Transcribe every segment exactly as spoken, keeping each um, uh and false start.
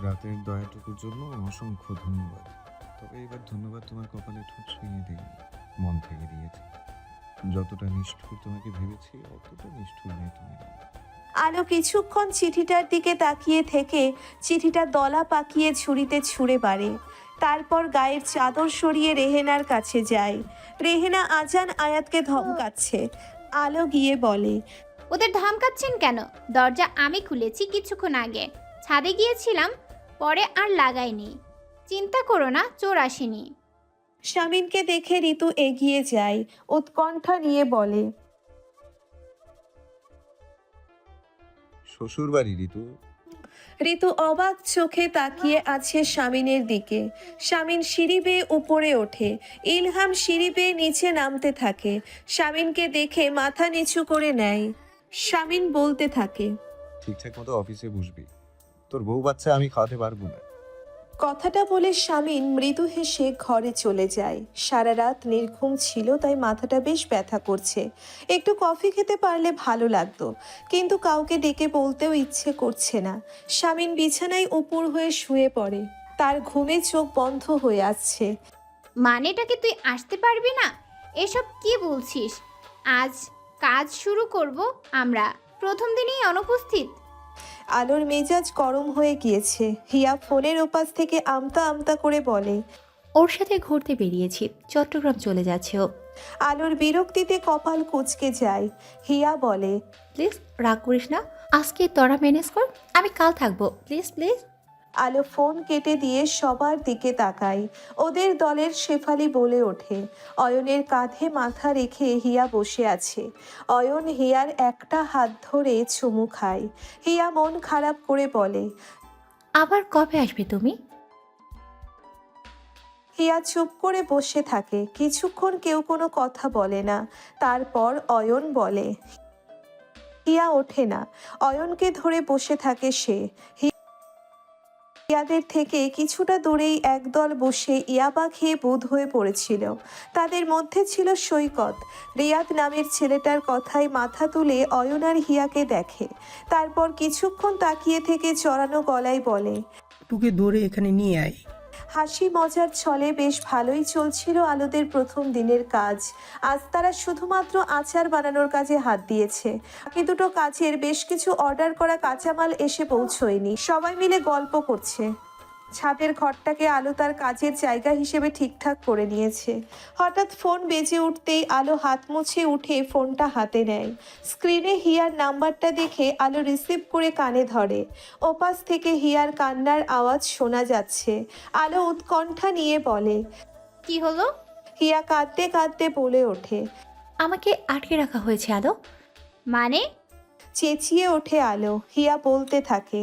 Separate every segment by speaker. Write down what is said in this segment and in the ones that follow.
Speaker 1: রাতের দয়াটুকুর জন্য অসংখ্য ধন্যবাদ। তবে এবার ধন্যবাদ তোমার কপালে ঠোঁট ছুঁয়ে দেয়নি, মন থেকে দিয়েছে। যতটা নিষ্ঠুর তোমাকে ভেবেছি অতটা নিষ্ঠুর নেই তুমি।
Speaker 2: আলো কিছুক্ষণ চিঠিটার দিকে তাকিয়ে থেকে চিঠিটা দলা পাকিয়ে ঝুড়িতে ছুঁড়ে পারে। তারপর গায়ের চাদর সরিয়ে রেহেনার কাছে যায়। রেহেনা আজান আয়াতকে ধমকাচ্ছে। আলো গিয়ে বলে,
Speaker 3: ওদের ধমকাচ্ছেন কেন? দরজা আমি খুলেছি কিছুক্ষণ আগে। ছাদে গিয়েছিলাম, পরে আর লাগাইনি। চিন্তা করো না, চোর আসেনি।
Speaker 2: স্বামীনকে দেখে ঋতু এগিয়ে যায়, উৎকণ্ঠা নিয়ে বলে,
Speaker 1: শ্বশুর বাড়ি ঋতু?
Speaker 2: ঋতু অবাক চোখে তাকিয়ে আছে স্বামীনের দিকে। স্বামীন সিঁড়ি বেয়ে উপরে ওঠে। ইলহাম সিঁড়ি বেয়ে নিচে নামতে থাকে। স্বামীনকে দেখে মাথা নিচু করে নেয়। স্বামীন বলতে থাকে,
Speaker 1: ঠিকঠাক মতো অফিসে বসবি, তোর বউ বাচ্চা আমি খাওয়াতে পারবো না।
Speaker 2: কথাটা বলে স্বামীন মৃদু হেসে ঘরে চলে যায়। সারা রাত নির্ঘুম ছিল, তাই মাথাটা বেশ ব্যথা করছে। একটু কফি খেতে পারলে ভালো লাগতো, কিন্তু কাউকে ডেকে বলতেও ইচ্ছে করছে না। স্বামীন বিছানায় উপুর হয়ে শুয়ে পড়ে। তার ঘুমে চোখ বন্ধ হয়ে আসছে।
Speaker 3: মানেটাকে তুই আসতে পারবি না? এসব কি বলছিস? আজ কাজ শুরু করব আমরা, প্রথম দিনেই অনুপস্থিত।
Speaker 2: আলোর মেজাজ গরম হয়ে গিয়েছে। হিয়া ফোনের ওপাশ থেকে আমতা আমতা করে বলে,
Speaker 4: ওর সাথে ঘুরতে বেরিয়েছি, চট্টগ্রাম চলে যাচ্ছে ও।
Speaker 2: আলোর বিরক্তিতে কপাল কুঁচকে যায়। হিয়া বলে,
Speaker 4: প্লিজ রাগ করিস না, আজকে তোরা ম্যানেজ কর, আমি কাল থাকবো, প্লিজ প্লিজ।
Speaker 2: আলো ফোন কেটে দিয়ে সবার দিকে তাকায়। ওদের দলের শেফালি বলে ওঠে। অয়নের কাঁধে মাথা রেখে হিয়া বসে আছে। অয়ন হিয়ার একটা হাত ধরে চুমু খায়। হিয়া মন খারাপ করে বলে,
Speaker 4: আবার কবে আসবে তুমি?
Speaker 2: হিয়া চুপ করে বসে থাকে। কিছুক্ষণ কেউ কোনো কথা বলে না। তারপর অয়ন বলে। হিয়া ওঠে না। অয়নকে ধরে বসে থাকে সে। ইয়াদের থেকে কিছুটা দূরেই একদল বসে ইয়াবা খেয়ে বোধ হয়ে পড়েছিল। তাদের মধ্যে ছিল সৈকত। রিয়াদ নামের ছেলেটার কথায় মাথা তুলে অয়ন আর হিয়াকে দেখে। তারপর কিছুক্ষণ তাকিয়ে থেকে চড়ানো গলায় বলে,
Speaker 5: টুকে ধরে এখানে নিয়ে আয়।
Speaker 2: হাসি মজার ছলে বেশ ভালোই চলছিল আলোদের প্রথম দিনের কাজ। আজ তারা শুধুমাত্র আচার বানানোর কাজে হাত দিয়েছে। বাকি দুটো কাজের বেশ কিছু অর্ডার করা কাঁচামাল এসে পৌঁছয়নি। সবাই মিলে গল্প করছে। ছাদের ঘরটাকে আলো তার কাজের জায়গা হিসেবে ঠিকঠাক করে নিয়েছে। হঠাৎ ফোন বেজে উঠতেই আলো হাত মুছে উঠে ফোনটা হাতে নেয়। স্ক্রিনে হিয়ার নাম্বারটা দেখে আলো রিসিভ করে কানে ধরে। ওপাশ থেকে হিয়ার কান্নার আওয়াজ শোনা যাচ্ছে। আলো উৎকণ্ঠা নিয়ে বলে,
Speaker 3: কি হলো?
Speaker 2: হিয়া কাঁদতে কাঁদতে বলে ওঠে।
Speaker 4: আমাকে আটকে রাখা হয়েছে আলো।
Speaker 3: মানে?
Speaker 2: চেঁচিয়ে ওঠে আলো। হিয়া বলতে থাকে,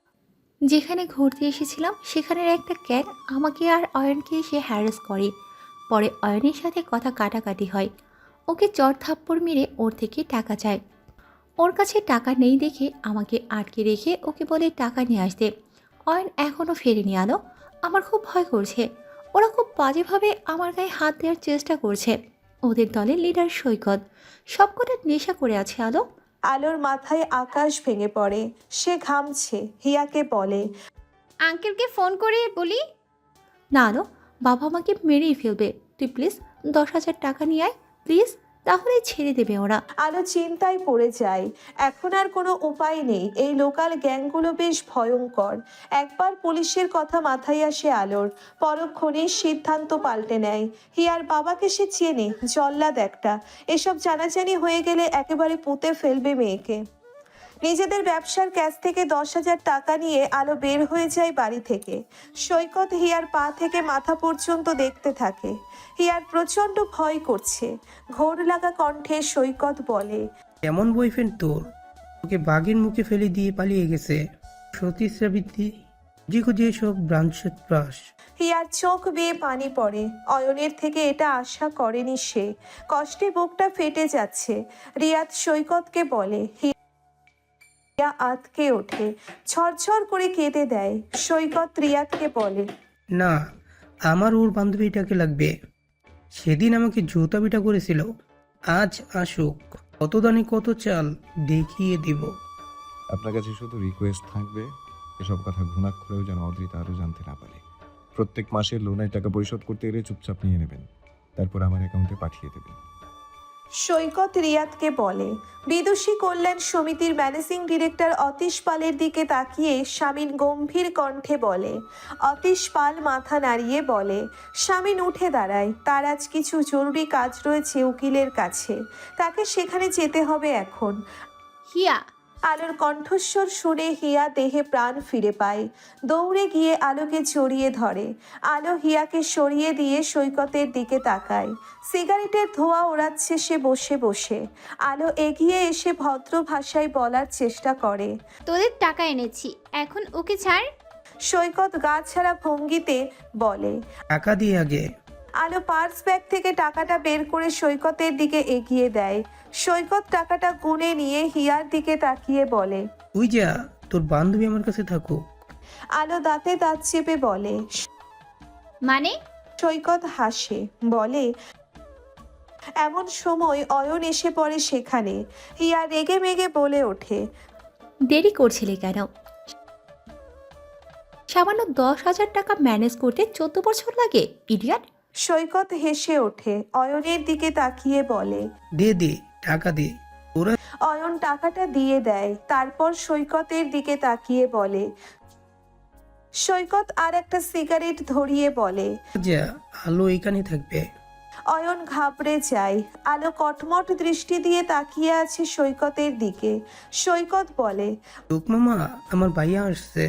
Speaker 4: যেখানে ঘুরতে এসেছিলাম সেখানের একটা ক্যাট আমাকে আর অয়নকে এসে হ্যারাস করে। পরে অয়নের সাথে কথা কাটাকাটি হয়। ওকে চড় থাপ্পড় মেরে ওর থেকে টাকা চায়। ওর কাছে টাকা নেই দেখে আমাকে আটকে রেখে ওকে বলে টাকা নিয়ে আসতে। অয়ন এখনও ফেরেনি আলো। আমার খুব ভয় করছে। ওরা খুব বাজেভাবে আমার গায়ে হাত দেওয়ার চেষ্টা করছে। ওদের দলের লিডার সৈকত সবকটা নেশা করে আছে আলো।
Speaker 2: আলোর মাথায় আকাশ ভেঙে পড়ে। সে ঘামছে। হিয়াকে বলে,
Speaker 3: আঙ্কেলকে ফোন করে বলি।
Speaker 4: না আলো, বাবা আমাকে মেরেই ফেলবে। তুই প্লিজ দশ হাজার টাকা নিয়ে আয় প্লিজ, তাহলেই ছেড়ে দেবে ওরা।
Speaker 2: আলো চিন্তায় পড়ে যায়। এখন আর কোনো উপায় নেই। এই লোকাল গ্যাংগুলো বেশ ভয়ঙ্কর। একবার পুলিশের কথা মাথায় আসে আলোর। পরক্ষণেই সিদ্ধান্ত পাল্টে নেয়। হিয়ার বাবাকে সে চেনে, জল্লাদ একটা। এসব জানাজানি হয়ে গেলে একেবারে পুঁতে ফেলবে মেয়েকে। নিজেদের ব্যবসার ক্যাশ থেকে দশ হাজার টাকা নিয়ে আলো বের হয়ে যায় বাড়ি থেকে। সৈকত হিয়ার পা থেকে মাথা পর্যন্ত দেখতে থাকে। হিয়ার প্রচন্ড ভয় করছে। ঘোর লাগা কণ্ঠে সৈকত বলে,
Speaker 5: এমন বয়ফ্রেন্ড তোর, ওকে বাঘের মুখে ফেলে দিয়ে পালিয়ে গেছে। সতী সাবিত্রী খুঁজে খুঁজে সব ব্রাঞ্চের প্রাস।
Speaker 2: হিয়ার চোখ বেয়ে পানি পড়ে। অয়নের থেকে এটা আশা করেনি সে। কষ্টে বুকটা ফেটে যাচ্ছে। রিয়াদ সৈকতকে বলে। হিয়া আতকে ওঠে, ঝরঝর করে কেঁদে দেয়। সৈকত রিয়াদকে বলে,
Speaker 5: না, আমার ওর বান্ধবীটাকে লাগবে। সেদিন আমাকে জুতা পিটা করেছিল। আজ আসুক, কত দানে কত চাল দেখিয়ে দিব।
Speaker 1: আপনার কাছে শুধু রিকোয়েস্ট থাকবে, এসব কথা ঘুণাক্ষরেও যেন অদ্রিতা আরও জানতে না পারে। প্রত্যেক মাসে লোনের টাকা পরিশোধ করতে এলে চুপচাপ নিয়ে নেবেন, তারপর আমার অ্যাকাউন্টে পাঠিয়ে দেবেন।
Speaker 2: সৈকত রিয়াদকে বলে। বিদুষী কল্যাণ সমিতির ম্যানেজিং ডিরেক্টর অতীশ পালের দিকে তাকিয়ে শামিন গম্ভীর কণ্ঠে বলে। অতীশ পাল মাথা নাড়িয়ে বলে। শামিন উঠে দাঁড়ায়। তার আজ কিছু জরুরি কাজ রয়েছে উকিলের কাছে, তাকে সেখানে যেতে হবে এখন।
Speaker 3: হিয়া,
Speaker 2: আলোর কণ্ঠস্বর শুনে হিয়া দেহে প্রাণ ফিরে পায়। দৌড়ে গিয়ে আলোকে জড়িয়ে ধরে। আলো হিয়াকে সরিয়ে দিয়ে সৈকতের দিকে তাকায়। সিগারেটের ধোঁয়া ওড়াচ্ছে সে বসে বসে। আলো এগিয়ে এসে ভদ্র ভাষায় বলার চেষ্টা করে।
Speaker 3: তোদের টাকা এনেছি, এখন ওকে ছাড়।
Speaker 2: সৈকত গা ছাড়া ভঙ্গিতে বলে।
Speaker 5: টাকা দিয়ে আগে।
Speaker 2: আলো পার্স ব্যাগ থেকে টাকাটা বের করে সৈকতের দিকে এগিয়ে দেয়। সৈকত টাকাটা গুনে নিয়ে হিয়ার দিকে তাকিয়ে বলে।
Speaker 5: তুই যা, তোর বান্ধবী আমার কাছে থাকুক।
Speaker 2: আলো দাঁতে দাঁত চেপে বলে।
Speaker 3: মানে?
Speaker 2: সৈকত হাসে বলে। এমন সময় অয়ন এসে পড়ে সেখানে। হিয়া রেগে মেগে বলে ওঠে।
Speaker 4: দেরি করছিলে কেন? সামান্য দশ হাজার টাকা ম্যানেজ করতে চোদ্দ বছর লাগে, ইডিয়ট।
Speaker 2: সৈকত হেসে ওঠে অয়নের দিকে তাকিয়ে বলে।
Speaker 5: দে দে টাকা দে। ওরা
Speaker 2: অয়ন টাকাটা দিয়ে দেয়, তারপর সৈকতের দিকে তাকিয়ে বলে। সৈকত আর একটা সিগারেট ধরিয়ে বলে।
Speaker 5: যা, আলো এখানে থাকবে।
Speaker 2: অয়ন ঘাবড়ে যায়। আলো কটমট দৃষ্টি দিয়ে তাকিয়ে আছে সৈকতের দিকে। সৈকত বলে।
Speaker 5: লোক মামা, আমার ভাইয়া আসছে,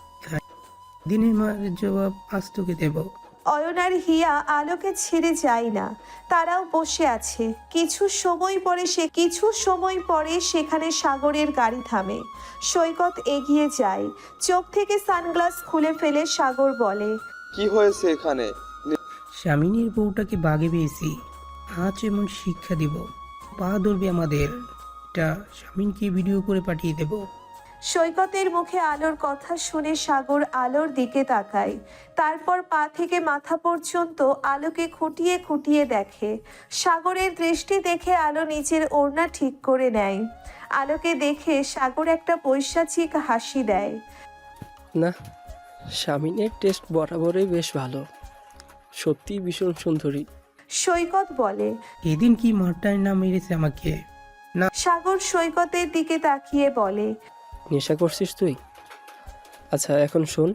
Speaker 5: দিনের মার জবাব আজ তোকে দেব।
Speaker 2: অয়ন আর হিয়া আলোকে ছেড়ে যায় না, তারাও বসে আছে। কিছু সময় পরে সে কিছু সময় পরে সেখানে সাগরের গাড়ি থামে। সৈকত এগিয়ে যায়। চোখ থেকে সানগ্লাস খুলে ফেলে সাগর বলে।
Speaker 6: কি হয়েছে এখানে?
Speaker 5: স্বামিনীর বউটাকে বাগে পেয়েছি, আজ এমন শিক্ষা দিব, পা ধরবে আমাদের। এটা স্বামীনকে ভিডিও করে পাঠিয়ে দেব।
Speaker 2: সৈকতের মুখে আলোর কথা শুনে সাগর আলোর দিকে তাকায়। তারপর পা থেকে মাথা পর্যন্ত আলোকে খুঁটিয়ে খুঁটিয়ে দেখে। সাগরের দৃষ্টি দেখে আলো নিচের ওড়না ঠিক করে নেয়। আলোকে দেখে সাগর একটা পৈশাচিক হাসি দেয়।
Speaker 7: না, স্বামীনের টেস্ট বরাবরই বেশ ভালো, সত্যি ভীষণ সুন্দরী।
Speaker 2: সৈকত বলে।
Speaker 5: এদিন কি মারটাই না মেরেছে আমাকে।
Speaker 2: সাগর সৈকতের দিকে তাকিয়ে বলে।
Speaker 7: নেশা করছিস তুই? আচ্ছা এখন শোন,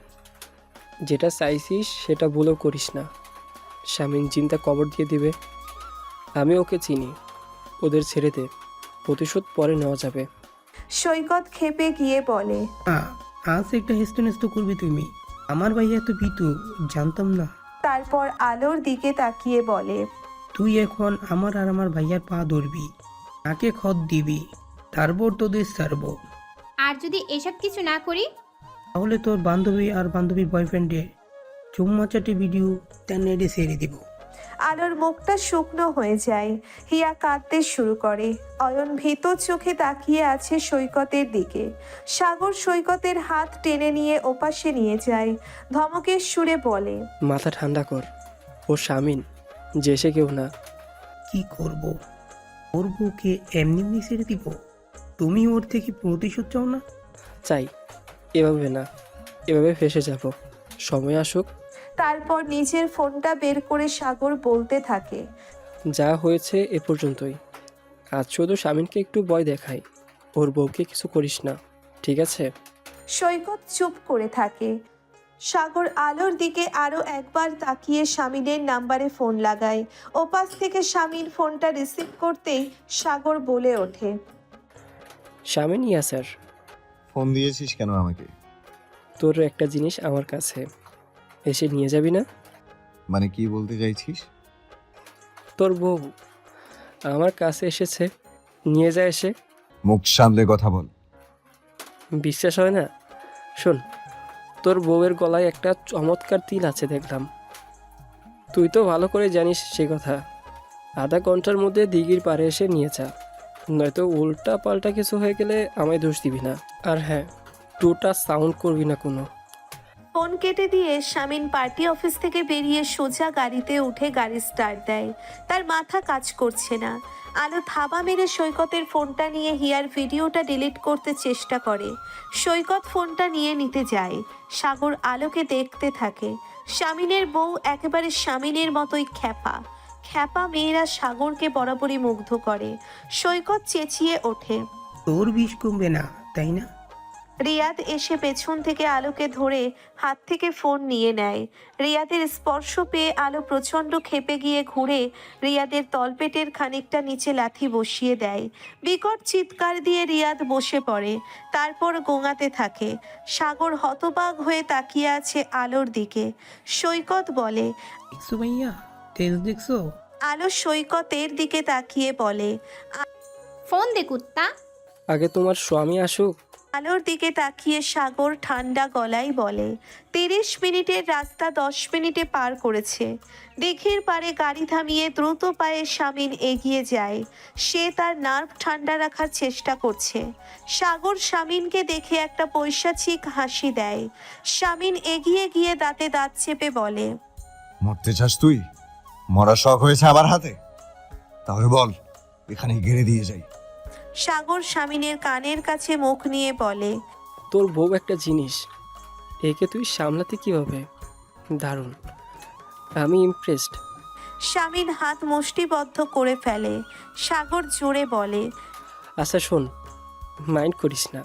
Speaker 7: যেটা চাইছিস সেটা ভুলেও করিস না। স্বামীন চিন্তা কবর দিয়ে দিবে। আমি ওকে চিনি, ওদের ছেড়ে দে, প্রতিশোধ পরে নেওয়া যাবে।
Speaker 2: সৈকত ক্ষেপে গিয়ে বলে।
Speaker 5: হ্যাঁ, আজ একটা হেস্ত নেস্ত করবে তুমি। আমার ভাইয়া এত ভীতু, জানতাম না।
Speaker 2: তারপর আলোর দিকে তাকিয়ে বলে।
Speaker 5: তুই এখন আমার আর আমার ভাইয়ার পা ধরবি, তাকে খত দিবি, তারপর তোদের ছাড়বো।
Speaker 3: আর যদি এসব কিছু না করি?
Speaker 5: তাহলে তোর বান্ধবী আর বান্ধবীর বয়ফ্রেন্ডে চুম্মা চাটি ভিডিও তার নেটে ছেড়ে দিব।
Speaker 2: আলোর মুখটা শুকনো হয়ে যায়। হিয়া কাঁদতে শুরু করে। অয়ন ভীত চোখে তাকিয়ে আছে সৈকতের দিকে। সাগর সৈকতের হাত টেনে নিয়ে ওপাশে নিয়ে যায়। ধমকের সুরে বলে।
Speaker 7: মাথা ঠান্ডা কর, ও স্বামীন, যে সে কেউ না।
Speaker 5: কি করব? ওর বউকে এমনি এমনি ছেড়ে দিব? তুমি ওর থেকে প্রতিশোধ চাও না?
Speaker 7: চাই, এভাবে না, এভাবে ফেসে যাব, সময় আসুক।
Speaker 2: তারপর নিজের ফোনটা বের করে সাগর বলতে থাকে।
Speaker 7: যা হয়েছে এ পর্যন্তই, আজ শুধু স্বামীনকে একটু ভয় দেখাই, ওর বউকে কিছু করিস না, ঠিক আছে?
Speaker 2: সৈকত চুপ করে থাকে। সাগর আলোর দিকে আরো একবার তাকিয়ে শামিনের নাম্বারে ফোন লাগায়। ওপাশ থেকে শামিন ফোনটা রিসিভ করতেই সাগর বলে ওঠে।
Speaker 7: স্বামীন, ইয়া স্যার।
Speaker 1: ফোন দিয়েছিস কেন আমাকে?
Speaker 7: তোর একটা জিনিস আমার কাছে, এসে নিয়ে যাবি না?
Speaker 1: মানে কি বলতে চাইছিস?
Speaker 7: তোর বউ আমার কাছে এসেছে, নিয়ে যা এসে।
Speaker 1: মুখ সামলে কথা বল।
Speaker 7: বিশ্বাস হয় না? শোন, তোর বউয়ের গলায় একটা চমৎকার তিল আছে দেখলাম। তুই তো ভালো করে জানিস সে কথা। আধা ঘন্টার মধ্যে দিঘির পাড়ে এসে নিয়ে যা, নয়তো উল্টা পাল্টা কিছু হয়ে গেলে আমায় দোষ দিবি না। আর হ্যাঁ, টুটা সাউন্ড করবি না কোনো।
Speaker 2: ফোন কেটে দিয়ে শামিন পার্টি অফিস থেকে বেরিয়ে সোজা গাড়িতে উঠে গাড়ি স্টার্ট দেয়। তার মাথা কাজ করছে না। আলো থাবা মেরে সৈকতের ফোনটা নিয়ে হিয়ার ভিডিওটা ডিলিট করতে চেষ্টা করে। সৈকত ফোনটা নিয়ে নিতে যায়। সাগর আলোকে দেখতে থাকে। শামিনের বউ একেবারে শামিনের মতোই খ্যাপা। খ্যাপা মেয়েরা সাগরকে বরাবরই মুগ্ধ করে। সৈকত চেঁচিয়ে ওঠে,
Speaker 5: তোর বিষ কমবে না তাই না?
Speaker 2: রিয়াদ এসে পেছন থেকে আলোকে ধরে হাত থেকে ফোন নিয়ে নেয়। রিয়াদের স্পর্শ পেয়ে আলো প্রচণ্ড ক্ষেপে গিয়ে ঘুরে রিয়াদের তলপেটের খানিকটা নিচে লাথি বসিয়ে দেয়। বিকট চিৎকার দিয়ে রিয়াদ বসে পড়ে, তারপর গোঙাতে থাকে। সাগর হতবাক হয়ে তাকিয়ে আছে আলোর দিকে। সৈকত বলে,
Speaker 5: দেখছো ভাইয়া, তেজ দেখছো?
Speaker 2: আলো সৈকতের দিকে তাকিয়ে বলে,
Speaker 3: ফোন দে কুত্তা।
Speaker 7: আগে তোমার স্বামী আসুক।
Speaker 2: আলোর দিকে তাকিয়ে সাগর ঠান্ডা গলায় বলে, তিরিশ মিনিটের রাস্তা দশ মিনিটে পার করেছে। দিঘির পাড়ে গাড়ি থামিয়ে দ্রুত পায়ে শামিন এগিয়ে যায়। সে তার নার্ভ ঠান্ডা রাখার চেষ্টা করছে। সাগর শামিনকে দেখে একটা পৈশাচিক হাসি দেয়। শামিন এগিয়ে গিয়ে দাঁতে দাঁত চেপে বলে,
Speaker 1: মরতে চাস তুই? মরা শখ হয়েছে আমার হাতে? তাহলে বল, এখানে ঘিরে দিয়ে যাই।
Speaker 2: সাগর শামিনের কানের কাছে মুখ নিয়ে বলে,
Speaker 7: তোর বউ একটা জিনিস, একে তুই সামলাতে কিভাবে? দারুণ, আমি ইমপ্রেসড।
Speaker 2: শামিন হাত মুষ্টিবদ্ধ করে ফেলে। সাগর জোরে বলে,
Speaker 7: আচ্ছা শোন, মাইন্ড করিস না,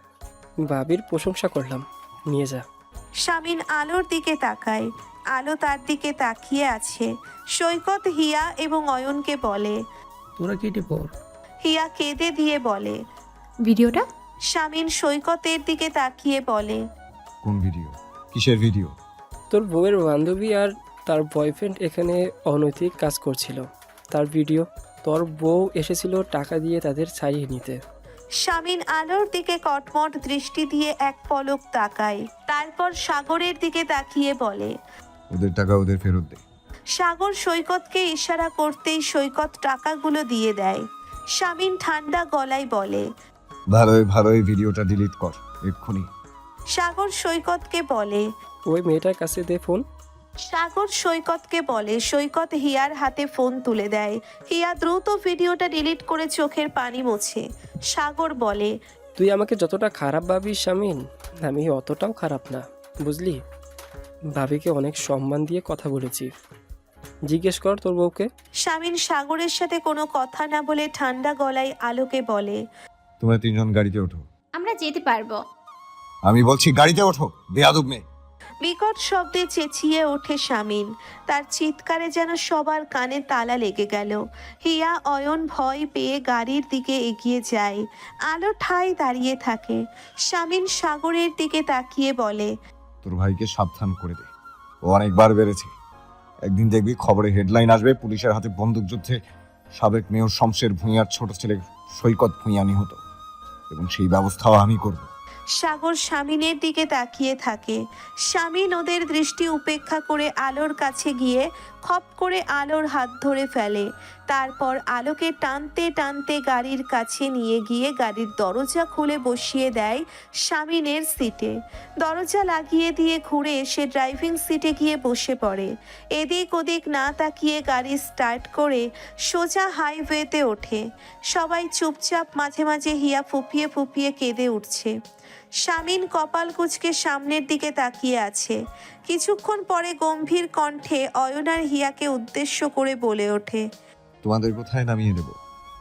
Speaker 7: বাবির প্রশংসা করলাম, নিয়ে যা।
Speaker 2: শামিন আলোর দিকে তাকায়। আলো তার দিকে তাকিয়ে আছে। সৈকত হিয়া এবং অয়নকে বলে।
Speaker 5: তোরা কেটে পড়।
Speaker 2: হিয়া কেঁদে দিয়ে বলে।
Speaker 4: ভিডিওটা
Speaker 2: শামিন সৈকতের দিকে তাকিয়ে বলে,
Speaker 1: কোন ভিডিও? কিসের ভিডিও?
Speaker 7: তোর বউয়ের বান্ধবী আর তার বয়ফ্রেন্ড এখানে অনৈতিক কাজ করছিল, তার ভিডিও। তোর বউ এসেছিল টাকা দিয়ে তাদের ছাড়িয়ে নিতে।
Speaker 2: শামিন আলোর দিকে কটমট দৃষ্টি দিয়ে এক পলক তাকায়, তারপর সাগরের দিকে তাকিয়ে বলে।
Speaker 1: ওদের টাকা ওদের ফেরত দে।
Speaker 2: সাগর সৈকতকে ইশারা করতেই সৈকত টাকাগুলো দিয়ে দেয়। শামিন ঠান্ডা গলায় বলে।
Speaker 1: ভালোই ভালোই ভিডিওটা ডিলিট কর এক্ষুনি।
Speaker 2: সাগর সৈকতকে বলে।
Speaker 7: ওই মেয়েটার কাছে দে ফোন।
Speaker 2: সাগর সৈকতকে বলে। সৈকত হিয়ার হাতে ফোন তুলে দেয়। হিয়া দ্রুত ভিডিওটা ডিলিট করে চোখের পানি মোছে। সাগর বলে,
Speaker 7: তুই আমাকে যতটা খারাপ ভাবিস শামিন, আমি অতটাও খারাপ না, বুঝলি? ভাবিকে অনেক সম্মান দিয়ে কথা বলেছি। জিজ্ঞেস কর তোর বউকে।
Speaker 2: শামিন সাগরের সাথে কোনো কথা না বলে ঠান্ডা গলায় আলোকে বলে,
Speaker 1: তোমরা তিনজন গাড়িতে ওঠো।
Speaker 3: আমরা যেতে পারবো।
Speaker 1: আমি বলছি গাড়িতে ওঠো, বেয়াদব মেয়ে।
Speaker 2: বিকট শব্দে চেঁচিয়ে ওঠে শামিন। তার চিৎকারে যেন সবার কানে তালা লেগে গেল। হিয়া অয়ন ভয় পেয়ে গাড়ির দিকে এগিয়ে যায়। আলো ঠায় দাঁড়িয়ে থাকে। শামিন সাগরের দিকে তাকিয়ে বলে,
Speaker 1: তোর ভাইকে সাবধান করে দে, ও অনেকবার বেড়েছে। একদিন দেখবি খবরে হেডলাইন আসবে, পুলিশের হাতে বন্দুক যুদ্ধে সাবেক মেয়র শমশের ভূঁইয়ার ছোট ছেলে সৈকত ভূঁইয়া নিহত, এবং সেই ব্যবস্থাও আমি করব।
Speaker 2: সাগর শামিনের দিকে তাকিয়ে থাকে। শামিন ওদের দৃষ্টি উপেক্ষা করে আলোর কাছে গিয়ে খপ করে আলোর হাত ধরে ফেলে। তারপর আলোকে টানতে টানতে গাড়ির কাছে নিয়ে গিয়ে গাড়ির দরজা খুলে বসিয়ে দেয় শামিনের সিটে। দরজা লাগিয়ে দিয়ে ঘুরে সে ড্রাইভিং সিটে গিয়ে বসে পড়ে। এদিক ওদিক না তাকিয়ে গাড়ি স্টার্ট করে সোজা হাইওয়েতে ওঠে। সবাই চুপচাপ, মাঝে মাঝে হিয়া ফুপিয়ে ফুপিয়ে কেঁদে উঠছে। শামিন কপাল কুঁচকে সামনের দিকে তাকিয়ে আছে। কিছুক্ষণ পরে গম্ভীর কণ্ঠে অয়ন আর হিয়াকে উদ্দেশ্য করে বলে ওঠে,
Speaker 1: তোমাদের কোথায় নামিয়ে দেব?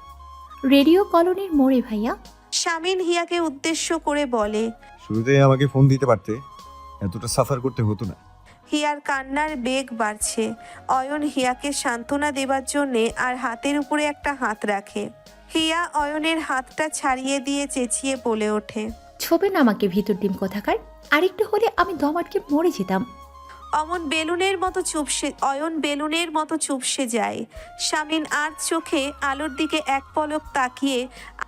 Speaker 4: রেডিও কলোনির মোড়ে ভাইয়া।
Speaker 2: শামিন হিয়াকে উদ্দেশ্য করে বলে।
Speaker 1: শুরুতেই আমাকে ফোন দিতে পারতে, এতটা সাফার করতে হতো না।
Speaker 2: হিয়ার কান্নার বেগ বাড়ছে। অয়ন হিয়াকে সান্ত্বনা দেবার জন্যে আর হাতের উপরে একটা হাত রাখে। হিয়া অয়নের হাতটা ছাড়িয়ে দিয়ে চেঁচিয়ে বলে ওঠে,
Speaker 4: ছবে না আমাকে ভিতর ডিম কোথাকার, আরেকটু হলে আমি দম আটকে মরে যেতাম।
Speaker 2: অমন বেলুনের মতো চুপসে অয়ন বেলুনের মতো চুপসে যায়। শামিন আর চোখে আলোর দিকে এক পলক তাকিয়ে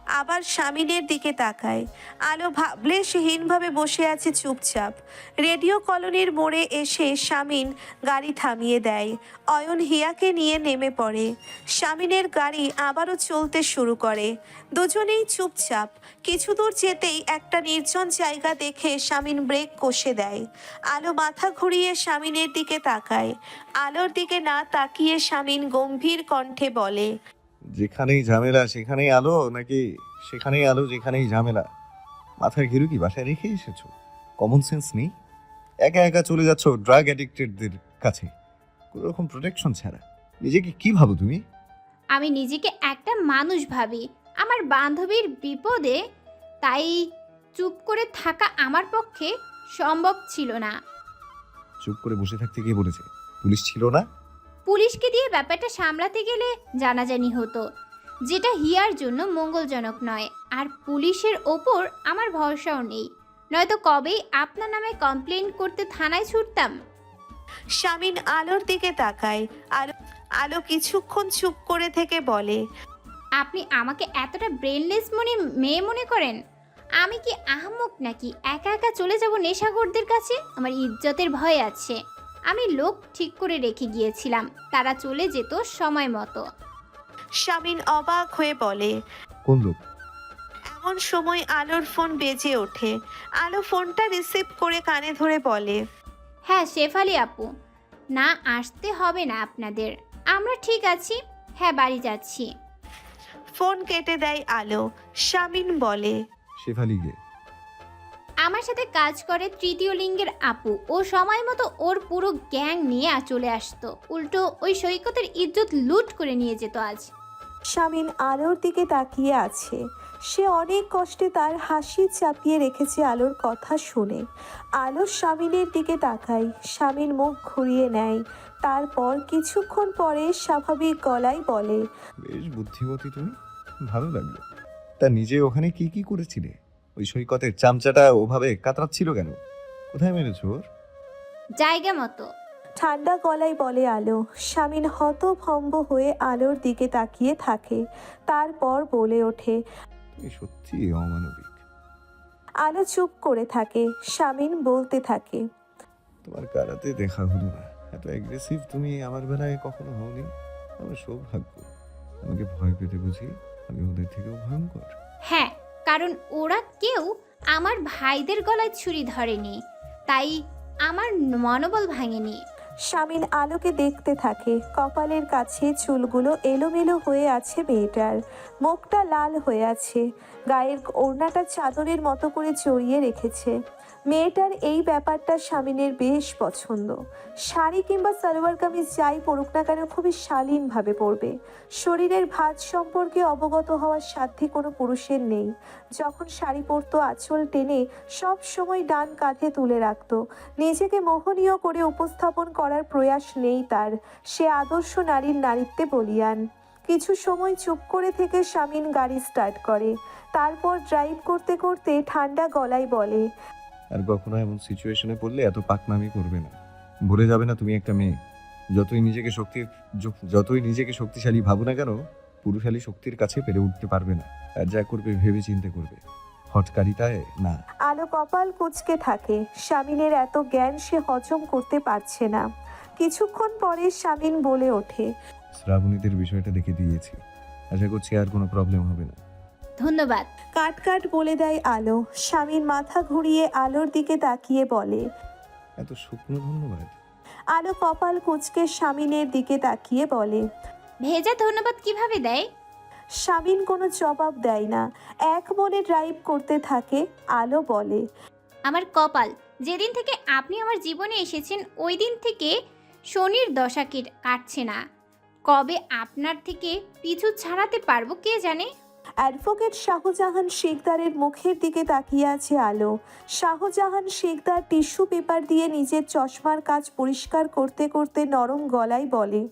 Speaker 2: আবার শামিনের দিকে তাকায়। আলো ভাবলেশহীনভাবে বসে আছে চুপচাপ। রেডিও কলোনির মোড়ে এসে শামিন গাড়ি থামিয়ে দেয়। অয়ন হিয়াকে নিয়ে নেমে পড়ে। শামিনের গাড়ি আবারও চলতে শুরু করে। দুজনেই চুপচাপ। কিছু দূর যেতেই একটা নির্জন জায়গা দেখে শামিন ব্রেক কষে দেয়। আলো মাথা ঘুরিয়ে শামিনের দিকে তাকায়। আলোর দিকে না তাকিয়ে শামিন গম্ভীর কণ্ঠে বলে,
Speaker 1: যেখানেই ঝামেলা সেখানেই আলো, নাকি সেখানেই আলো যেখানেই ঝামেলা? মাথায় ঘিরু কি বাসায় রেখে এসেছো? কমন সেন্স নেই? একা একা চলে যাচ্ছ ড্রাগ অ্যাডিক্টেডদের কাছে কোনো রকম প্রোটেকশন ছাড়া। নিজেকে কি ভাবো তুমি?
Speaker 3: আমি নিজেকে একটা মানুষ ভাবি, আমার বান্ধবীর বিপদে, তাই চুপ করে থাকা আমার পক্ষে সম্ভব ছিল না।
Speaker 1: চুপ করে বসে থাকতে কে বলেছে? পুলিশ ছিল না?
Speaker 3: পুলিশকে দিয়ে ব্যাপারটা সামলাতে গেলে জানাজানি হতো, যেটা হিয়ার জন্য মঙ্গলজনক নয়। আর পুলিশের ওপর আমার ভরসাও নেই, নয়তো কবেই আপনার নামে কমপ্লেন করতে থানায় ছুটতাম।
Speaker 2: শামিন আলোর দিকে তাকায়। আলো আলো কিছুক্ষণ চুপ করে থেকে বলে,
Speaker 3: আপনি আমাকে এতটা ব্রেনলেস মনে মেয়ে মনে করেন? আমি কি আহমক নাকি একা একা চলে যাব নেশাখোরদের কাছে? আমার ইজ্জতের ভয় আছে। আমি লোক ঠিক করে রেখে গিয়েছিলাম, তারা চলে যেত সময় মতো।
Speaker 2: শামিন অবাক হয়ে বলে।
Speaker 1: কোন লোক?
Speaker 2: এমন সময় আলোর ফোন বেজে ওঠে। আলো ফোনটা রিসিভ করে কানে ধরে বলে,
Speaker 3: হ্যাঁ শেফালি আপু, না আসতে হবে না আপনাদের, আমরা ঠিক আছি। হ্যাঁ বাড়ি যাচ্ছি।
Speaker 2: ফোন কেটে দেয় আলো। শামিন বলে,
Speaker 1: শেফালি গে?
Speaker 3: আমার সাথে কাজ করে তৃতীয় লিঙ্গের আপু। ও সময় মতো ওর পুরো গ্যাং নিয়ে আ- চলে আসতো, উল্টো ওই সৈকতের ইজ্জত লুট করে নিয়ে যেত আজ।
Speaker 2: শামিন আলোর দিকে তাকিয়ে আছে। সে অনেক কষ্টে তার হাসি চাপিয়ে রেখেছে আলোর কথা শুনে। আলো শামিনের দিকে তাকায়। শামিন মুখ ঘুরিয়ে নেয়। তারপর কিছুক্ষণ পরে স্বাভাবিক গলায় বলে,
Speaker 1: বেশ বুদ্ধিমতী তুমি, ভালো লাগলো। তা নিজে ওখানে কি কি করেছিলে? ওই সৈকতের চামচাটা ওভাবে কাতরাচ্ছিল কেন? কোথায় মেরেছো ওর?
Speaker 3: জায়গা মতো।
Speaker 2: ঠান্ডা গলায় বলে আলো। শামিন হতভম্ব হয়ে আলোর দিকে তাকিয়ে থাকে। তারপর বলে ওঠে।
Speaker 1: তুমি সত্যি অমানবিক।
Speaker 2: আলো চুপ করে থাকে। শামিন বলতে থাকে,
Speaker 1: তোমার কারাতে দেখা হলো না, এত অ্যাগ্রেসিভ তুমি আমার বেলায় কখনো হওনি। আমার সৌভাগ্য। আমাকে ভয় পেতে বুঝি আমি ওদের থেকেও ভয়ঙ্কর?
Speaker 3: হ্যাঁ, কারণ ওরা কেউ আমার ভাইদের গলায় ছুরি ধরেনি, তাই আমার মনোবল ভাঙেনি।
Speaker 2: শামিন আলোকে দেখতে থাকে। কপালের কাছে চুলগুলো এলোমেলো হয়ে আছে মেয়েটার। মুখটা লাল হয়ে আছে। গায়ের ওড়নাটা চাদরের মতো করে জড়িয়ে রেখেছে। মেয়েটার এই ব্যাপারটা শামিনের বেশ পছন্দ। শাড়ি কিংবা সালোয়ার কামিজ যাই পরুক না কেন খুবই শালীনভাবে পরবে। শরীরের ভাঁজ সম্পর্কে অবগত হওয়ার সাধ্যে কোনো পুরুষের নেই। যখন শাড়ি পরতো আঁচল টেনে সব সময় ডান কাঁধে তুলে রাখতো। নিজেকে মোহনীয় করে উপস্থাপন করার প্রয়াস নেই তার। সে আদর্শ নারীর নারীত্বে বলীয়ান। কিছু সময় চুপ করে থেকে শামিন গাড়ি স্টার্ট করে। তারপর ড্রাইভ করতে করতে ঠান্ডা গলায় বলে,
Speaker 1: আর কখনো এমন সিচুয়েশনে পড়লে এত পাকনামি করবে না। ভুলে যাবে না তুমি একটা মেয়ে। যতই নিজেকে শক্তি যতই নিজেকে শক্তিশালী ভাবো না কেন, পুরুষালী শক্তির কাছে পেরে উঠতে পারবে না। আর যা করবে ভেবে চিন্তে করবে, হটকারিতায় না।
Speaker 2: আলো কপাল কুঁচকে থাকে। শামিনের এত জ্ঞান সে হজম করতে পারছে না। কিছুক্ষণ পরে শামিন বলে ওঠে,
Speaker 1: শ্রাবণীদের বিষয়টা দেখে দিয়েছি, আশা করছি আর কোনো প্রবলেম হবে না।
Speaker 3: ধন্যবাদ।
Speaker 2: কাট কাট বলে দেয় আলো। শামিন মাথা ঘুরিয়ে আলোর দিকে তাকিয়ে বলে,
Speaker 1: এত শুকনো ধন্যবাদ?
Speaker 2: আলো কপাল কুঁচকে শামিনের দিকে তাকিয়ে বলে।
Speaker 3: ভেজা ধন্যবাদ কিভাবে দেয়?
Speaker 2: শামিন কোনো জবাব দেয় না। এক মনে ড্রাইভ করতে থাকে। আলো বলে,
Speaker 3: আমার কপাল, যেদিন থেকে আপনি আমার জীবনে এসেছেন ওই দিন থেকে শনির দশা কেট- কাটছে না। কবে আপনার থেকে পিছু ছাড়াতে পারবো কে জানে।
Speaker 2: অ্যাডভোকেট শাহজাহান শেখদারের মুখের দিকে তাকিয়ে আছে আলো। শাহজাহান শেখদার টিস্যু পেপার দিয়ে নিজের চশমার কাজ পরিষ্কার করতে করতে নরম গলায় বলে,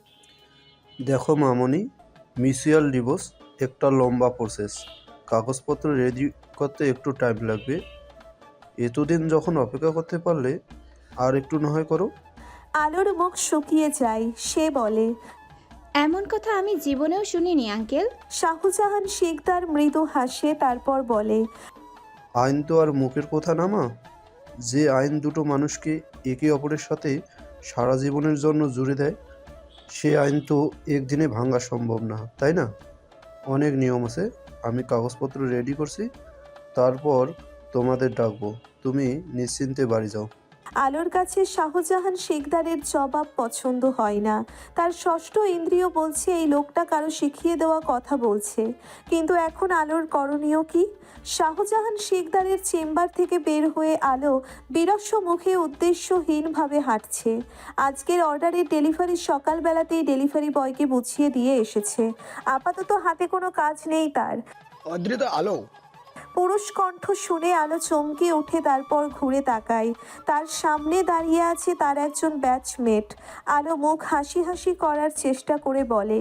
Speaker 6: দেখো মামনি, মিউচুয়াল ডিভোর্স একটা লম্বা প্রসেস। কাগজপত্র রেডি করতে একটু টাইম লাগবে। এতদিন যখন অপেক্ষা করতে পারলে আর একটু না হয় করো।
Speaker 2: আলোর মুখ শুকিয়ে যায়। সে বলে,
Speaker 3: এমন কথা আমি জীবনেও শুনিনি আঙ্কেল।
Speaker 2: শাহজাহান শিকদার মৃদু হাসে, তারপর বলে,
Speaker 6: আইন তো আর মুখের কথা না মা। যে আইন দুটো মানুষকে একে অপরের সাথে সারা জীবনের জন্য জুড়ে দেয়, সে আইন তো একদিনে ভাঙা সম্ভব না, তাই না? অনেক নিয়ম আছে। আমি কাগজপত্র রেডি করছি, তারপর তোমাদের ডাকবো। তুমি নিশ্চিন্তে বাড়ি যাও।
Speaker 2: আলোর কাছে শাহজাহান শিকদারের জবাব পছন্দ হয় না। তার ষষ্ঠ ইন্দ্রিয় বলছে এই লোকটা কারো শিখিয়ে দেওয়া কথা বলছে, কিন্তু এখন আলোর করণীয় কি? শাহজাহান শিকদারের চেম্বার থেকে বের হয়ে আলো বিরস্ব মুখে উদ্দেশ্যহীনভাবে হাঁটছে। আজকের অর্ডারের ডেলিভারি সকালবেলাতেই ডেলিভারি বয়কে বুঝিয়ে দিয়ে এসেছে। আপাতত হাতে কোনো কাজ নেই তার।
Speaker 8: অদ্রিত আলো,
Speaker 2: পুরুষ কণ্ঠ শুনে আলো চমকে উঠে, তারপর ঘুরে তাকায়। তার সামনে দাঁড়িয়ে আছে তার একজন ব্যাচমেট। আলো মুখ হাসি হাসি করার চেষ্টা করে বলে,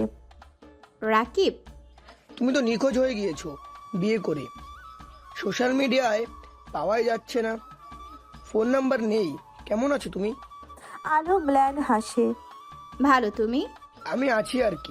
Speaker 3: রাকিব,
Speaker 8: তুমি তো নিখোঁজ হয়ে গিয়েছো বিয়ে করে। সোশ্যাল মিডিয়ায় পাওয়াই যাচ্ছে না, ফোন নাম্বার নেই। কেমন আছো তুমি?
Speaker 2: আলো ম্ল্যান হাসে।
Speaker 3: ভালো, তুমি?
Speaker 8: আমি আছি আর কি।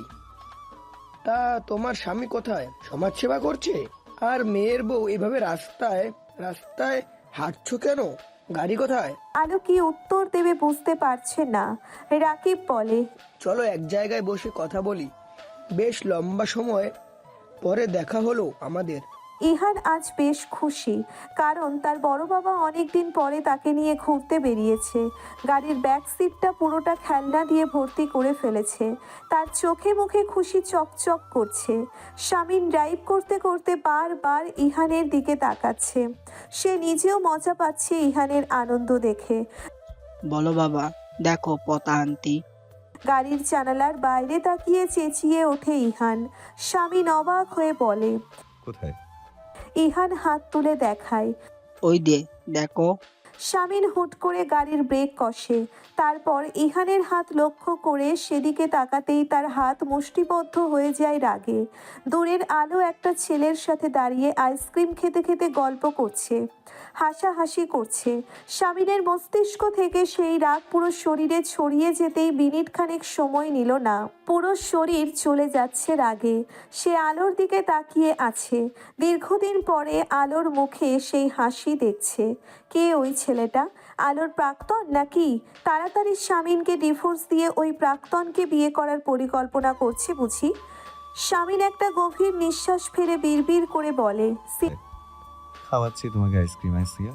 Speaker 8: তা তোমার স্বামী কোথায়? সমাজ সেবা করছে? আর মেয়ের বউ এভাবে রাস্তায় রাস্তায় হাঁটছো কেন? গাড়ি কোথায়?
Speaker 2: আলো কি উত্তর দেবে বুঝতে পারছে না। রাকিব বলে,
Speaker 8: চলো এক জায়গায় বসে কথা বলি। বেশ লম্বা সময় পরে দেখা হলো আমাদের।
Speaker 2: ইহান আজ বেশ খুশি, কারণ তার বড় বাবা অনেকদিন পরে তাকে নিয়ে ঘুরতে বেরিয়েছে। গাড়ির ব্যাক সিটটা পুরোটা খেলনা দিয়ে ভর্তি করে ফেলেছে। তার চোখে মুখে খুশি চকচক করছে। শামিন ড্রাইভ করতে করতে বারবার ইহানের দিকে তাকাচ্ছে। সে নিজেও মজা পাচ্ছে ইহানের আনন্দ দেখে।
Speaker 9: বলো বাবা, দেখো পতা আনতি।
Speaker 2: গাড়ির জানালার বাইরে তাকিয়ে চেঁচিয়ে ওঠে ইহান। শামিন অবাক হয়ে বলে,
Speaker 1: কোথায়?
Speaker 2: ইহান হাত তুলে দেখায়।
Speaker 9: ওই দে, দেখো।
Speaker 2: শামিন হুট করে গাড়ির ব্রেক কষে। তারপর ইহানের হাত লক্ষ্য করে সেদিকে তাকাতেই তার হাত মুষ্টিবদ্ধ হয়ে যায় রাগে। দূরের আলো একটা ছেলের সাথে দাঁড়িয়ে আইসক্রিম খেতে খেতে গল্প করছে, হাসাহাসি করছে। শামিনের মস্তিষ্ক থেকে সেই রাগ পুরো শরীরে ছড়িয়ে যেতেই মিনিট খানেক সময় নিল না। পুরো শরীর চলে যাচ্ছে রাগে। সে আলোর দিকে তাকিয়ে আছে। দীর্ঘদিন পরে আলোর মুখে সেই হাসি দেখছে। কে ওই ছেলেটা? আলোর প্রাক্তন নাকি? তাড়াতাড়ি শামিনকে ডিভোর্স দিয়ে ওই প্রাক্তনকে বিয়ে করার পরিকল্পনা করছে বুঝি? শামিন একটা গভীর নিঃশ্বাস ফেলে বিড়বিড় করে বলে,
Speaker 1: খাওয়াচ্ছি তোমাকে আইসক্রিম। আইসিয়া,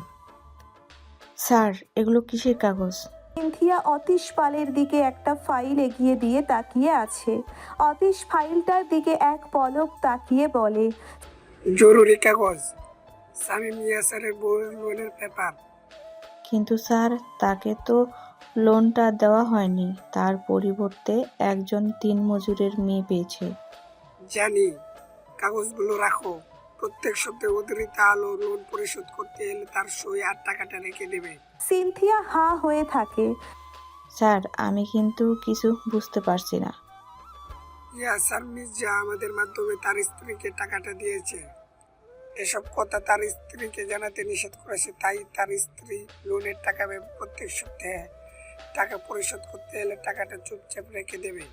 Speaker 4: স্যার, এগুলো কিসের কাগজ?
Speaker 2: সিনথিয়া অতীশ পালের দিকে একটা ফাইল এগিয়ে দিয়ে তাকিয়ে আছে। অতীশ ফাইলটার দিকে এক পলক তাকিয়ে বলে,
Speaker 10: জরুরি কাগজ, সামিম ইয়াসারের বউয়ের লোনের পেপার।
Speaker 4: কিন্তু স্যার, তাকে তো লোনটা দেওয়া হয়নি। তার পরিবর্তে একজন তিন মজুরের মেয়ে পেয়েছে।
Speaker 10: জানি, কাগজগুলো রাখো। প্রত্যেক সপ্তাহে অতিরিক্ত আলো লোন পরিশোধ করতে এলে তার সই আর টাকাটা রেখে দেবে।
Speaker 2: সিনথিয়া হা হয়ে থাকে।
Speaker 4: স্যার, আমি কিন্তু কিছু বুঝতে পারছি না।
Speaker 10: ইয়াসার মির্জা আমাদের মাধ্যমে তার স্ত্রীকে টাকাটা দিয়েছে। এসব কথা তার স্ত্রীকে জানাতে নিষেধ করেছে, তাই তার স্ত্রী লোনের টাকা ভেবে প্রত্যেক সপ্তাহে টাকা পরিশোধ করতে এলে টাকাটা চুপচাপ রেখে দেবে।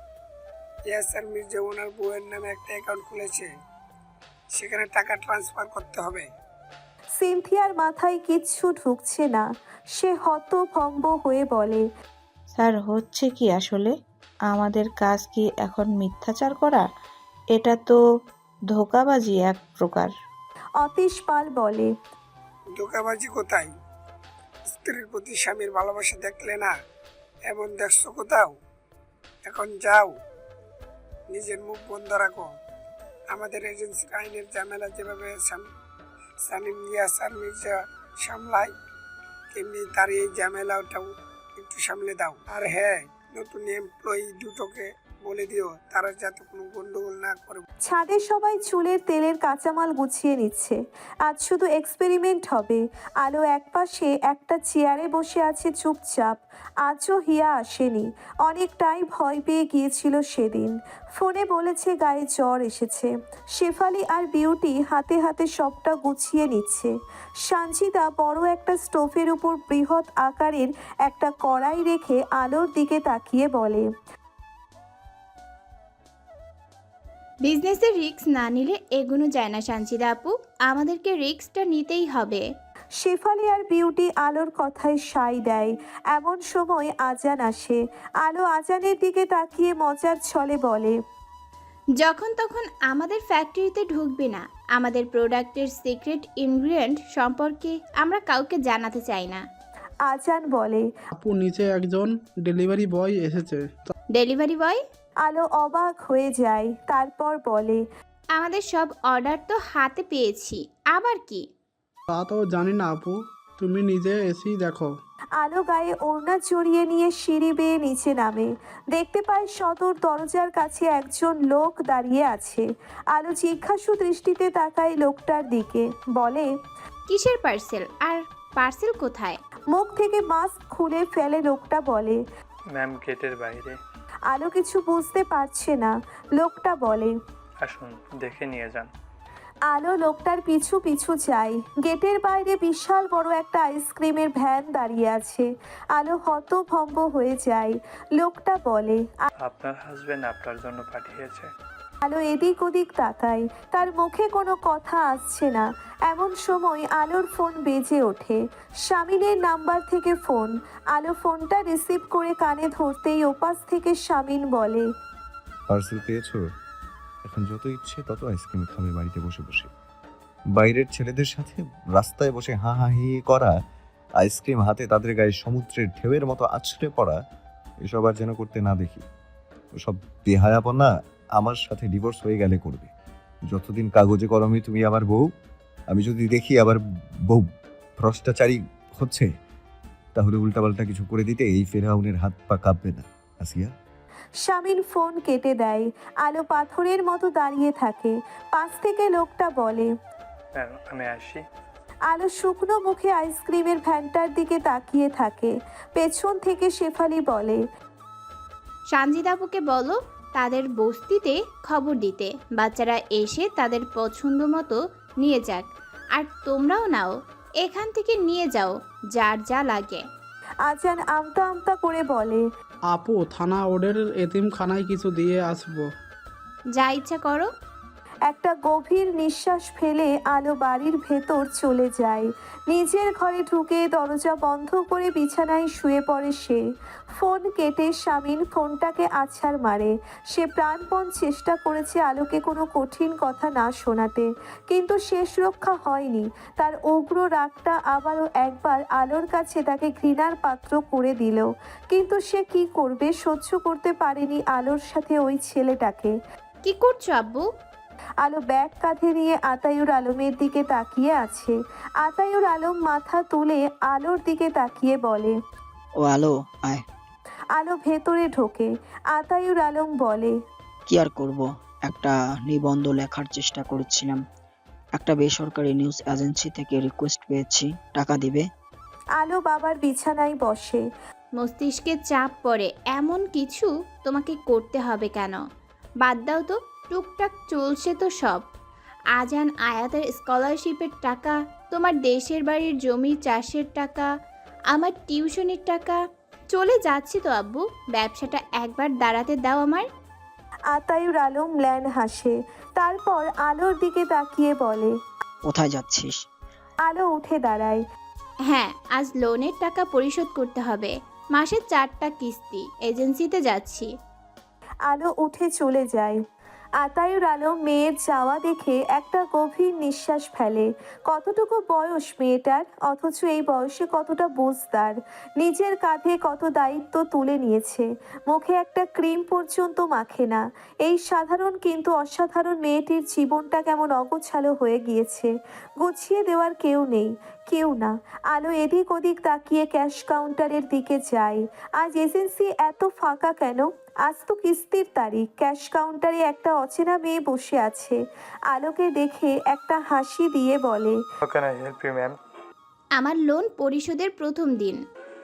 Speaker 10: ইয়াসার মির্জা ওনার বউয়ের নামে একটা অ্যাকাউন্ট খুলেছে, সেখানে টাকা ট্রান্সফার করতে হবে।
Speaker 2: সিনথিয়ার মাথায় কিচ্ছু ঢুকছে না। সে হতভম্ব হয়ে বলে,
Speaker 4: স্যার, হচ্ছে কি আসলে? আমাদের কাজ কি এখন মিথ্যাচার করা? এটা তো ধোঁকাবাজি এক প্রকার।
Speaker 2: অতীশ পাল বলে,
Speaker 10: ধোঁকাবাজি কোথায়? স্ত্রীর প্রতি স্বামীর ভালোবাসা দেখলে না এমন দেখছো কোথাও? এখন যাও, নিজের মুখ বন্ধ রাখো। আমাদের এজেন্সির আইনের ঝামেলা যেভাবে সানিম ইয়াসার মির্জা সামলায়, তেমনি তার এই ঝামেলাটাও একটু সামলে দাও। আর হ্যাঁ, নতুন এমপ্লয়ি দুটোকে বলে দিও তারা যাতে কোনো গন্ডগোল না করে।
Speaker 2: ছাদে সবাই চুলের তেলের কাঁচামাল গুছিয়ে নিচ্ছে। আজ শুধু এক্সপেরিমেন্ট হবে। আলো একপাশে একটা চেয়ারে বসে আছে চুপচাপ। আজও হিয়া আসেনি। অনেকটাই ভয় পেয়ে গিয়েছিল সেদিন। ফোনে বলেছে গায়ে জ্বর এসেছে। শেফালি আর বিউটি হাতে হাতে সবটা গুছিয়ে নিচ্ছে। সানজিদা বড় একটা স্টোভের উপর বৃহৎ আকারের একটা কড়াই রেখে আলোর দিকে তাকিয়ে বলে,
Speaker 3: বিজনেসের রিস্ক না নিলে এগোনো যায় না সানজিদা আপু, আমাদেরকে রিস্কটা নিতেই হবে।
Speaker 2: শেফালি আর বিউটি আলোর কথায় সায় দেয়। এমন সময় আজান আসে। আলো আজানের দিকে তাকিয়ে মজার ছলে বলে,
Speaker 3: যখন তখন আমাদের ফ্যাক্টরিতে ঢুকবে না। আমাদের প্রোডাক্টের সিক্রেট ইনগ্রিডিয়েন্ট সম্পর্কে আমরা কাউকে জানাতে চাই না।
Speaker 2: আজান বলে,
Speaker 11: আপু নিচে একজন ডেলিভারি বয় এসেছে।
Speaker 3: Delivery boy?
Speaker 2: আলো অবাক হয়ে যায়। তারপর বলে,
Speaker 3: আমাদের সব অর্ডার তো হাতে পেয়েছি, আবার কি?
Speaker 11: তা তো জানি না আপু, তুমি নিজে এসেই দেখো।
Speaker 2: আলো গায়ে ওড়না জড়িয়ে নিয়ে সিঁড়ি বেয়ে নিচে নামে। দেখতে পায় সদর দরজার কাছে একজন লোক দাঁড়িয়ে আছে। আলো জিজ্ঞাসু দৃষ্টিতে তাকায় লোকটার দিকে। বলে,
Speaker 3: কিসের পার্সেল? আর পার্সেল কোথায়?
Speaker 2: মুখ থেকে মাস্ক খুলে ফেলে লোকটা। বলে,
Speaker 12: ম্যাম গেটের বাইরে।
Speaker 2: আলো কিছু বুঝতে পারছে না। লোকটা বলে,
Speaker 12: আসুন দেখে নিয়ে যান।
Speaker 2: আলো লোকটার পিছু পিছু যায়। গেটের বাইরে বিশাল বড় একটা আইসক্রিমের ভ্যান দাঁড়িয়ে আছে। আলো হতভম্ব হয়ে যায়। লোকটা বলে,
Speaker 12: আপনার হাজবেন্ড আপনার জন্য পাঠিয়েছে।
Speaker 2: আলো এদিক ওদিক তাকায়। তার মুখে কোনো কথা আসছে না। এমন সময় আলোর ফোন বেজে ওঠে। শামিনের নাম্বার থেকে ফোন। আলো ফোনটা রিসিভ করে কানে ধরতেই ওপাশ থেকে শামিন বলে,
Speaker 1: পার্সেল পেয়েছো? এখন যত ইচ্ছে তত আইসক্রিম খাবে বাড়িতে বসে বসে। বাইরের ছেলেদের সাথে রাস্তায় বসে হা হা হি হি করা, আইসক্রিম হাতে তাদের গায়ে সমুদ্রের ঢেউয়ের মতো আছড়ে পড়া, এসব আর যেন করতে না দেখি। ওসব বেহায়াপনা আমার সাথে ডিভোর্স হয়ে গেলে করবে। যতদিন কাগজে কলমে তুমি আমার বউ, আমি যদি দেখি আবার বউ ভ্রষ্টাচারী হচ্ছে, তাহলে উল্টাপাল্টা কিছু করে দিতে এই ফেরাউনের হাত পা কাঁপবে না আসিয়া।
Speaker 2: শামিন ফোন কেটে দেয়। আলো পাথরের মতো দাঁড়িয়ে থাকে। পাশ থেকে লোকটা বলে,
Speaker 12: ম্যাম আমি আসি।
Speaker 2: আলো শুকনো মুখে আইসক্রিমের ভ্যানটার দিকে তাকিয়ে থাকে। পেছন থেকে শেফালি বলে,
Speaker 3: সানজিদা আপুকে বলো তাদের বস্তিতে খবর দিতে, বাচ্চারা এসে তাদের পছন্দ মতো নিয়ে যাক। আর তোমরাও নাও, এখান থেকে নিয়ে যাও যার যা লাগে।
Speaker 2: আজান আমতা আমতা করে বলে,
Speaker 11: আপু থানা ওদের এতিমখানায় কিছু দিয়ে আসবো।
Speaker 3: যা ইচ্ছা করো।
Speaker 2: একটা গভীর নিঃশ্বাস ফেলে আলো বাড়ির ভেতর চলে যায়। নিজের ঘরে ঢুকে দরজা বন্ধ করে বিছানায় শুয়ে পড়ে সে। ফোন কেটে শামিন ফোনটাকে আছাড় মারে। সে প্রাণপণ চেষ্টা করেছে আলোকে কোনো কঠিন কথা না শোনাতে, কিন্তু শেষ রক্ষা হয়নি। তার উগ্র রাগটা আবারও একবার আলোর কাছে তাকে ঘৃণার পাত্র করে দিল। কিন্তু সে কি করবে, সহ্য করতে পারেনি আলোর সাথে ওই ছেলেটাকে।
Speaker 3: কি করছো আব্বু?
Speaker 2: আলো ব্যাগ কাঁধে নিয়ে আতায়ুর আলমের দিকে তাকিয়ে আছে। আতায়ুর আলম মাথা তুলে আলোর দিকে তাকিয়ে বলে,
Speaker 9: ও আলো আয়।
Speaker 2: আলো ভেতরে ঢোকে। আতায়ুর আলম বলে,
Speaker 9: কি আর করব, একটা নিবন্ধ লেখার চেষ্টা করছিলাম। একটা বেসরকারি নিউজ এজেন্সি থেকে রিকোয়েস্ট পেয়েছি, টাকা দিবে?
Speaker 2: আলো বাবার বিছানায় বসে।
Speaker 3: মস্তিষ্কে চাপ পড়ে এমন কিছু তোমাকে করতে হবে কেন? বাদ দাও তো, টুকটাক চলছে তো সব। আজান আয়াতের স্কলারশিপের টাকা, তোমার দেশের বাড়ির জমি চাষের টাকা, আমার টিউশনের টাকা, চলে যাচ্ছে তো আব্বু। ব্যবসাটা একবার দাঁড়াতে দাও আমার।
Speaker 2: আতায়ুর আলম ম্ল্যান হাসে। তারপর আলোর দিকে তাকিয়ে বলে,
Speaker 9: কোথায় যাচ্ছিস?
Speaker 2: আলো উঠে দাঁড়ায়।
Speaker 3: হ্যাঁ, আজ লোনের টাকা পরিশোধ করতে হবে। মাসে চারটা কিস্তি। এজেন্সিতে যাচ্ছি।
Speaker 2: আলো উঠে চলে যায়। আতায়ুর আলম মেয়ের যাওয়া দেখে একটা গভীর নিঃশ্বাস ফেলে। কতটুকু বয়স মেয়েটার, অথচ এই বয়সে কতটা বুঝদার। নিজের কাঁধে কত দায়িত্ব তুলে নিয়েছে। মুখে একটা ক্রিম পর্যন্ত মাখে না। এই সাধারণ কিন্তু অসাধারণ মেয়েটির জীবনটা কেমন অগোছালো হয়ে গিয়েছে। গুছিয়ে দেওয়ার কেউ নেই, কেউ না। আলো এদিক ওদিক তাকিয়ে ক্যাশ কাউন্টারের দিকে যায়। আজ এজেন্সি এত ফাঁকা কেন? আজ তো কিস্তির তারিখ। ক্যাশ কাউন্টারে একটা অচেনা মেয়ে বসে আছে। আলোকে দেখে একটা হাসি দিয়ে বলে,
Speaker 12: How can I help you, ma'am?
Speaker 3: আমার লোন পরিশোধের প্রথম দিন।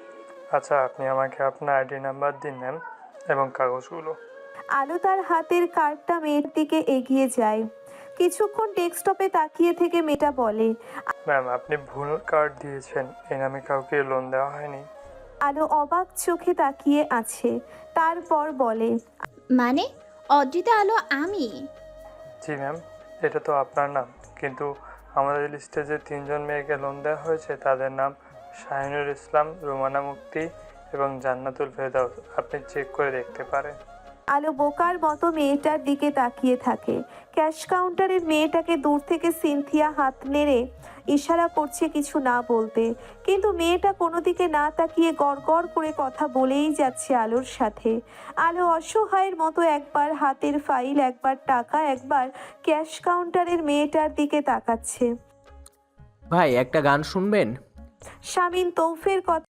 Speaker 12: আচ্ছা আপনি আমাকে আপনার আইডি নাম্বার দিন ম্যাম, এবং কাগজগুলো।
Speaker 2: আলো তার হাতের কার্ডটা মেয়ের দিকে এগিয়ে যায়। কিছুক্ষণ ডেস্কটপে তাকিয়ে থেকে মেয়েটা বলে,
Speaker 12: ম্যাম আপনি ভুল কার্ড দিয়েছেন, এই নামে কাউকে লোন দেওয়া হয়নি।
Speaker 2: আলো অবাক চোখে তাকিয়ে আছে। তারপর বলে,
Speaker 3: মানে অদ্রিতা আলো আমি?
Speaker 12: জি ম্যাম, এটা তো আপনার নাম, কিন্তু আমাদের লিস্টে যে তিনজন মেয়েকে লোন দেওয়া হয়েছে তাদের নাম শাহিনুর ইসলাম, রুমানা মুক্তি এবং জান্নাতুল ফেরদাউস। আপনি চেক করে দেখতে পারেন।
Speaker 2: আলো বোকার মতো মেয়েটার দিকে তাকিয়ে থাকে। ক্যাশ কাউন্টারের মেয়েটাকে দূর থেকে সিনথিয়া হাত নেড়ে ইশারা করছে কিছু না বলতে, কিন্তু মেয়েটা কোনো দিকে না তাকিয়ে গড় গড় করে কথা বলেই যাচ্ছে আলোর সাথে। আলো অসহায়ের মতো একবার হাতের ফাইল, একবার টাকা, একবার ক্যাশ কাউন্টারের মেয়েটার দিকে তাকাচ্ছে।
Speaker 13: ভাই একটা গান শুনবেন?
Speaker 2: শামিন তৌফের কথা